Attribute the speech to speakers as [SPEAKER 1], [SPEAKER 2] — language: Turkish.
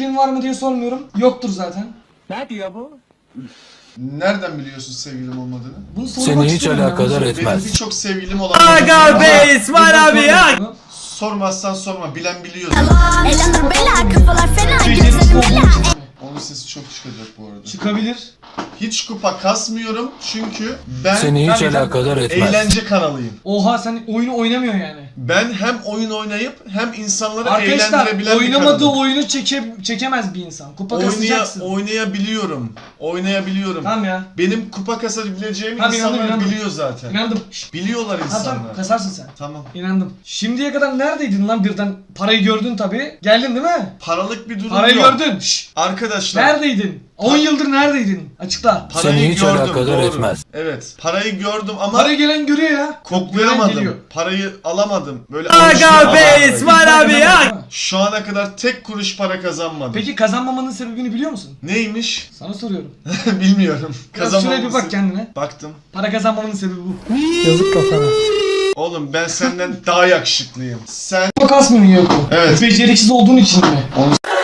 [SPEAKER 1] sevgilin var mı diye sormuyorum. Yoktur zaten.
[SPEAKER 2] Ne diyor bu?
[SPEAKER 3] Nereden biliyorsun sevgilim olmadığını?
[SPEAKER 1] Bunu sormak
[SPEAKER 4] Seni hiç
[SPEAKER 1] istiyorum ya,
[SPEAKER 4] alakadar
[SPEAKER 1] bunu
[SPEAKER 4] etmez.
[SPEAKER 3] Benim birçok sevgilim olan...
[SPEAKER 2] Aga be İsmail abi ya.
[SPEAKER 3] Sormazsan sorma, bilen biliyor.
[SPEAKER 5] Elanur bela kafalar fena
[SPEAKER 1] Beceriksiz
[SPEAKER 5] gözlerim
[SPEAKER 1] olduğum
[SPEAKER 5] bela.
[SPEAKER 1] için mi?
[SPEAKER 3] Onun sesi çok çıkacak bu arada.
[SPEAKER 1] Çıkabilir.
[SPEAKER 3] Hiç kupa kasmıyorum çünkü ben
[SPEAKER 4] Seni hiç
[SPEAKER 1] Tabii,
[SPEAKER 4] alakadar etmez.
[SPEAKER 3] eğlence kanalıyım.
[SPEAKER 1] Oha, sen oyunu oynamıyorsun yani.
[SPEAKER 3] Ben hem oyun oynayıp hem insanları
[SPEAKER 1] Arkadaşlar
[SPEAKER 3] eğlendirebilen bir
[SPEAKER 1] oynamadığı
[SPEAKER 3] kanalım.
[SPEAKER 1] oyunu çekemez bir insan. Kupa kasacaksın.
[SPEAKER 3] Oynayabiliyorum. Oynayabiliyorum.
[SPEAKER 1] Tamam ya.
[SPEAKER 3] Benim kupa kasabileceğimi
[SPEAKER 1] Tamam,
[SPEAKER 3] insanlar
[SPEAKER 1] inandım.
[SPEAKER 3] biliyor zaten.
[SPEAKER 1] İnandım. Şşt.
[SPEAKER 3] Biliyorlar
[SPEAKER 1] Tamam
[SPEAKER 3] insanlar.
[SPEAKER 1] tamam, kasarsın sen.
[SPEAKER 3] Tamam.
[SPEAKER 1] İnandım. Şimdiye kadar neredeydin lan birden? Parayı gördün tabii. Geldin değil mi?
[SPEAKER 3] Paralık bir durum
[SPEAKER 1] Parayı
[SPEAKER 3] yok.
[SPEAKER 1] gördün. Şşt.
[SPEAKER 3] Arkadaşlar.
[SPEAKER 1] Neredeydin? 10 yıldır neredeydin? Açıkla.
[SPEAKER 3] Parayı
[SPEAKER 4] Seni hiç
[SPEAKER 3] gördüm,
[SPEAKER 4] alakadar
[SPEAKER 3] doğru.
[SPEAKER 4] etmez.
[SPEAKER 3] Evet. Parayı gördüm ama
[SPEAKER 1] Para gelen görüyor ya. Gelen
[SPEAKER 3] koklayamadım.
[SPEAKER 1] geliyor.
[SPEAKER 3] Parayı alamadım. Böyle
[SPEAKER 2] Aga
[SPEAKER 3] alıştım.
[SPEAKER 2] be İsmail abi ya.
[SPEAKER 3] Şu ana kadar tek kuruş para kazanmadım.
[SPEAKER 1] Peki kazanmamanın sebebini biliyor musun?
[SPEAKER 3] Neymiş?
[SPEAKER 1] Sana soruyorum.
[SPEAKER 3] Bilmiyorum.
[SPEAKER 1] Biraz şuraya bir bak kendine.
[SPEAKER 3] Baktım.
[SPEAKER 1] Para kazanmamanın sebebi bu.
[SPEAKER 3] Oğlum ben senden daha yakışıklıyım. Sen
[SPEAKER 1] Kupa kasmıyorsun Yoko.
[SPEAKER 3] Evet.
[SPEAKER 1] Beceriksiz olduğun için mi?